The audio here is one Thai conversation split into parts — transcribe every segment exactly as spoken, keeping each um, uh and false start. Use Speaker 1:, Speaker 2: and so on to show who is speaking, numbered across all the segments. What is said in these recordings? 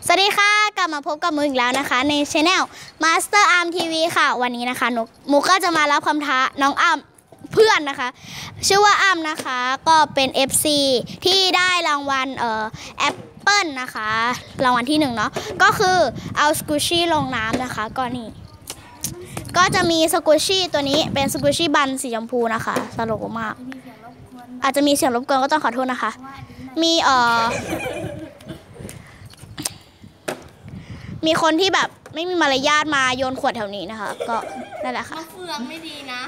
Speaker 1: สวัสดีค่ะกลับมาพบกับมุกอีกแล้วนะคะในช anel Master Arm ที วี ค่ะวันนี้นะคะนุกมุกก็จะมารับคำท้าน้องอ้ำเพื่อนนะคะชื่อว่าอ้ำนะคะก็เป็น เอฟ ซี ที่ได้รางวัลเอ่อแอปเปิลนะคะรางวัลที่หนึ่งเนาะก็คือเอาสกูชี่ลงน้ำนะคะก็นี่ก็จะมีสกูชี่ตัวนี้เป็นสกูชี่บันสีชมพูนะคะสโลว์มากอาจจะมีเสียงรบกวนก็ต้องขอโทษนะคะมีเอ่อมีคนที่แบบไม่มีมารยาทมาโยนขวดแถวนี้นะคะก็นั่นแหละค่ะ
Speaker 2: เฟืองไม่ดีนะ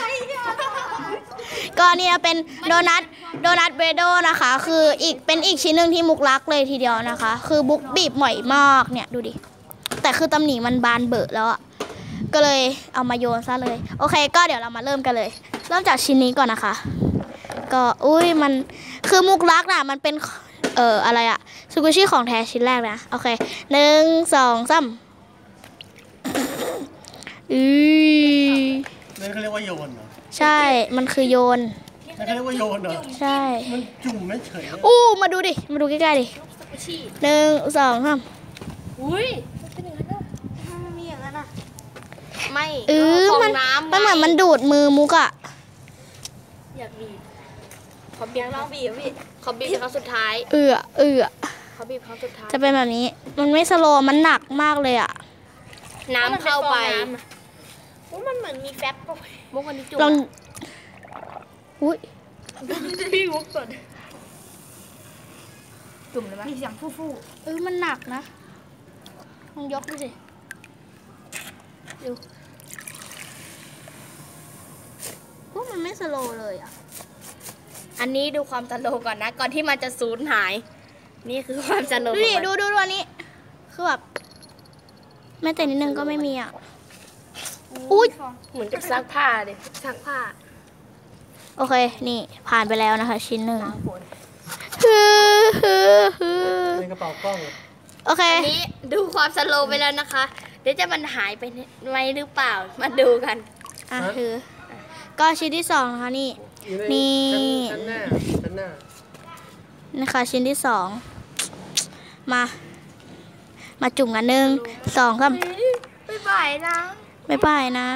Speaker 1: ก็นี่เป็นโดนัทโดนัทเบรโดนะคะคืออีกเป็นอีกชิ้นหนึ่งที่มุกรักเลยทีเดียวนะคะคือมุกบีบหม่อยมากเนี่ยดูดิแต่คือตำหนิมันบานเบอะแล้วอ่ะก็เลยเอามาโยนซะเลยโอเคก็เดี๋ยวเรามาเริ่มกันเลยเริ่มจากชิ้นนี้ก่อนนะคะก็อุ้ยมันคือมุกรักน่ะมันเป็นเอ่ออะไรอะสกูชี่ของแท้ชิ้นแรกนะโอเคหนึ่งสองสามอือ
Speaker 3: นั่นเขาเรียกว่าโยนเหรอ
Speaker 1: ใช่มันคือโยน
Speaker 3: นั่นเขาเรียกว่าโยนเหรอ
Speaker 1: ใช่
Speaker 3: มันจุ่มไม่เฉย
Speaker 1: อู้มาดูดิมาดูใกล้ๆดิหนึ่งสองสาม
Speaker 2: อุ้ยเป็นอย่างนั้นอ่ะมันมีอย่างนั้นอ่ะไม่
Speaker 1: เออมันมันเหมือนมันดูดมือมุกอะ
Speaker 2: อยากบีบขอบีบลองบีบพี่ขอบีบครั้งสุดท้าย
Speaker 1: เอือเอือ
Speaker 2: ขอบีบครั้งสุดท้าย
Speaker 1: จะเป็นแบบนี้มันไม่สโลว์มันหนักมากเลยอะ
Speaker 2: น้ำเข้าไปมันเหมือนมีแฟบมุกวันนี้จุ่ม
Speaker 1: ลองอุ้ย
Speaker 2: พี่มุกก่อนจุ่มเลยไหมมีเสียงฟู่
Speaker 1: ๆเออมันหนักนะลองยกดูสิดูพวกมันไม่สโลว์เลยอะ
Speaker 2: อันนี้ดูความสโลว์ก่อนนะก่อนที่มันจะสูญหายนี่คือความสโลว์
Speaker 1: ดูดิดูดูดูอันนี้คือแบบแม้แต่นิดนึงก็ไม่มีอ่ะอุ้ย
Speaker 2: เหมือนกับซักผ้าเลยซักผ้า
Speaker 1: โอเคนี่ผ่านไปแล้วนะคะชิ้นหนึ่ง
Speaker 3: ในกระเป๋ากล้อง
Speaker 1: โอเค
Speaker 2: อันนี้ดูความสโลว์ไปแล้วนะคะเดี๋ยวจะมันหายไปไหมหรือเปล่ามาดูกัน
Speaker 1: อ่ะคือก็ชิ้นที่สองนะคะนี่นี่
Speaker 3: ชั้นหน้าชั้นหน้า
Speaker 1: นะคะชิ้นที่สองมามาจุ่มกันหนึ่งสองครับ
Speaker 2: ไม่บ่ายนะ
Speaker 1: ไม่บ่ายนะ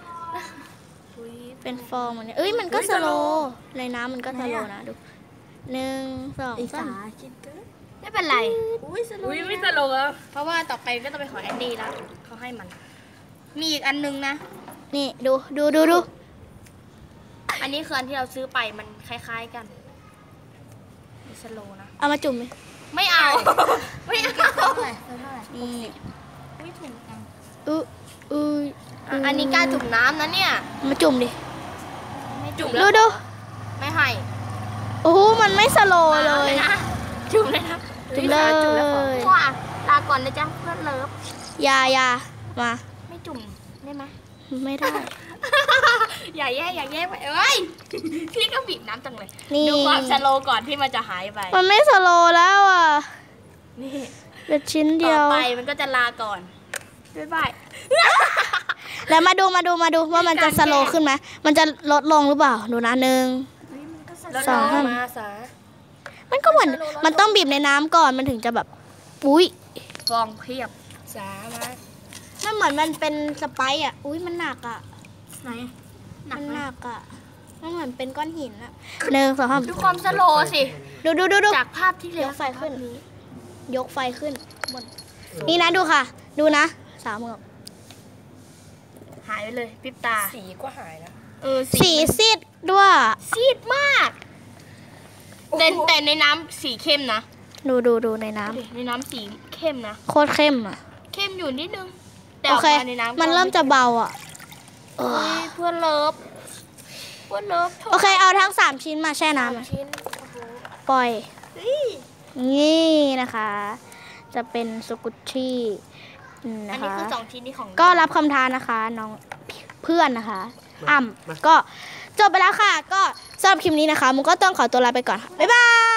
Speaker 1: เป็นฟองมันเนี่ยเอ้ยมันก็สโลว์ในน้ำมันก็สโลว์นะดูหนึ่งสองสาม
Speaker 2: ไม่เป็นไรอุ้ยสโลว์ไม่สโลว์แล้วเพราะว่าต่อไปก็ต้องไปขอแอนดี้แล้วเขาให้มันมีอีกอันนึงนะ
Speaker 1: นี่ดูดูดูดู
Speaker 2: อันนี้คืออันที่เราซื้อไปมันคล้ายๆกันมีสโลว์นะ
Speaker 1: เอามาจุ่มไหม
Speaker 2: ไม่เอาไม่เอาเท่าไหร่
Speaker 1: นี่
Speaker 2: ไม่ถุงกัน
Speaker 1: อืออือ
Speaker 2: อันนี้การจุ่มน้ำนะเนี่ย
Speaker 1: มาจุ่มดิ
Speaker 2: ไม่จุ่ม
Speaker 1: ดูดู
Speaker 2: ไม่ให้
Speaker 1: โอ้โหมันไม่สโลว์เลย
Speaker 2: นะจุ่มเลยนะ
Speaker 1: จุ่มเลย
Speaker 2: ว้าลาก่อนนะจ๊ะเพื่อนเลิฟ
Speaker 1: ยายามา
Speaker 2: ไม่จุ่มได้ไหม
Speaker 1: ไม่ได้
Speaker 2: อย่าแย่อย่าแย่ไปเอ้ยพี่ก็บีบน้ำจังเลยดูความสโลว์ก่อนที่มันจะหายไป
Speaker 1: มันไม่สโลว์แล้วอ่ะนี่เป็นชิ้นเดียว
Speaker 2: ต่อไปมันก็จะลาก่อนบ๊ายบาย
Speaker 1: แล้วมาดูมาดูมาดูว่ามันจะสโลว์ขึ้นไหมมันจะลดลงหรือเปล่าดูนะหนึ่ง
Speaker 2: สองมาสา
Speaker 1: มันก็เหมือนมันต้องบีบในน้ำก่อนมันถึงจะแบบอุ้ย
Speaker 2: ฟองเพียบสามา
Speaker 1: มันเหมือนมันเป็นสไปซ์อ่ะอุ้ยมันหนักอ่ะ
Speaker 2: ไหน
Speaker 1: มันหนักอ่ะมันเหมือนเป็นก้อนหินอ่ะหนึ่งสองสาม
Speaker 2: ดูความสโลว์สิ
Speaker 1: ดูดูดูดู
Speaker 2: จากภาพที่เลี้ยง
Speaker 1: ไฟขึ้นยกไฟขึ้นบนนี่นะดูค่ะดูนะสามมือ
Speaker 2: หายไปเลยปิบตา
Speaker 3: สีก็หายแล้ว
Speaker 2: เออ
Speaker 1: สีซีดด้วย
Speaker 2: ซีดมากแต่แต่ในน้ำสีเข้มนะ
Speaker 1: ดูดูดูในน้ำ
Speaker 2: ในน้ำสีเข้มนะ
Speaker 1: โคตรเข้มอ่ะ
Speaker 2: เข้มอยู่นิดนึง
Speaker 1: แต่ออกมาในน้ำมันเริ่มจะเบาอ่ะ
Speaker 2: เพื่อนเลิฟเพื่อนเลิฟ
Speaker 1: โอเคเอาทั้งสามชิ้นมาแช่น้ำปล่อยนี่นะคะจะเป็นสกุชชี่
Speaker 2: อันนี้คือสองชิ้นนี้ของ
Speaker 1: ก็รับคำท้านะคะน้องเพื่อนนะคะอ่ำก็จบไปแล้วค่ะก็สำหรับคลิปนี้นะคะมุกก็ต้องขอตัวลาไปก่อนบ๊ายบาย